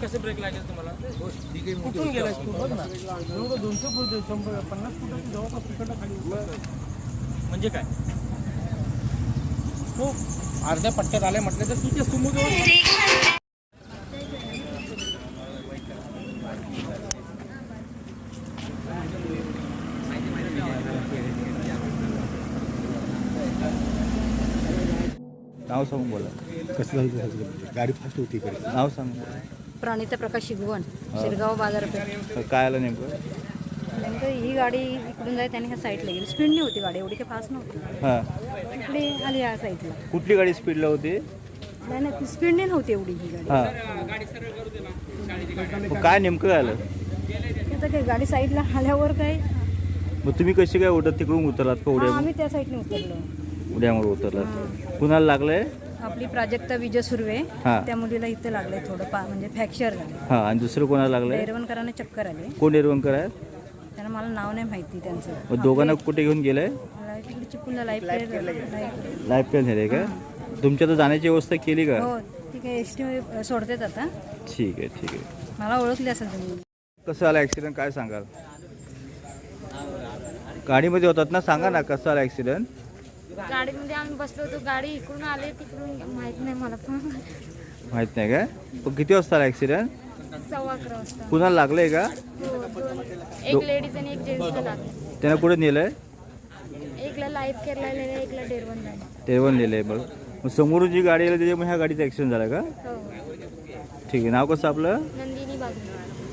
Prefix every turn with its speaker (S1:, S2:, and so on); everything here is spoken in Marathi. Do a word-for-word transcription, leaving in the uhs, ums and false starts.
S1: कसे ब्रेक लागेल तुम्हाला? कुठून गेलाय तू? बघ ना, एवढं दोनशे फूट शंभर पन्नास फुटाची जवळपास तिकडनं खाली उतरतोय. म्हणजे काय तो अर्ध्या पट्ट्यात आलाय म्हटलं तर तिथे सुमो जवळ
S2: नाव सांगून बोला.
S3: कसं झालं? गाडी फास्ट होती इकडे.
S2: नाव सांग.
S4: प्रणिता प्रकाश शिगवण, शिरगाव बाजारपेठ.
S2: काय आलं नेमकं?
S4: नेमकं ही गाडी इकडून जाय त्याने ह्या साईडला गेली. स्पीडनी होती गाडी, एवढी काही फास्ट नव्हती.
S2: हां,
S4: इकडे आली या साईडला.
S2: कुठली गाडी स्पीडला होती?
S4: नाही नाही स्पीडने नव्हती एवढी ही गाडी.
S2: हां, मग काय नेमकं आलं?
S4: आता काय गाडी साईडला आल्यावर काय
S2: मग तुम्ही कशी काय उडत तिकडून उतरलात का?
S4: हा,
S2: उड्या
S4: आम्ही त्या साईडने उतरलो.
S2: उड्यामुळे उतरलात. कुणाला लागलंय?
S4: आपली प्राजक्ता विजय सुर्वे,
S2: हां.
S4: त्या मुलीला इथं लागलंय थोडं पा म्हणजे फ्रॅक्चर झालं.
S2: हां, आणि दुसरं कोणाला लागलंय?
S4: एरवणकरांना चक्कर आले.
S2: कोण एरवणकर आहेत?
S4: त्यांना मला नाव नाही माहिती त्यांचं.
S2: मग दोघांना कुठे घेऊन गेलंय?
S4: मला तिकडे चिपळूणला लाईफ केअर
S2: लाईफ प्लॅन झाले का? तुमच्या तर जाण्याची व्यवस्था केली का?
S4: हो, ठीक आहे. एस टी सोडतेत आता.
S2: ठीक आहे, ठीक आहे.
S4: मला ओळखली असेल तुम्ही.
S2: कसं आलं ॲक्सिडेंट, काय सांगाल? गाडीमध्ये होतात ना, सांगा ना कसं आलं ॲक्सिडेंट?
S5: गाडीमध्ये आम्ही बसलो होतो, गाडी इकडून आले तिकडून माहित नाही मला पण.
S2: माहित नाही काय? पण किती वाजता आला ॲक्सिडेंट?
S5: सव्वा अकरा वाजता.
S2: कुणाला लागलंय का?
S5: हो, दोन एक लेडीज आणि एक जेंट्सला लागले.
S2: त्यानं कुठे नेलंय?
S5: एकला लाईफ केअरला नेलं, एकला डेरवनला.
S2: तेवण नेलंय. बघ, मग समोरून जी गाडी आली त्याच्यामुळे ह्या गाडीचा ॲक्सिडेंट झाला का?
S5: हो,
S2: ठीक आहे. नाव कसं आपलं?
S5: नंदिनी बागुल.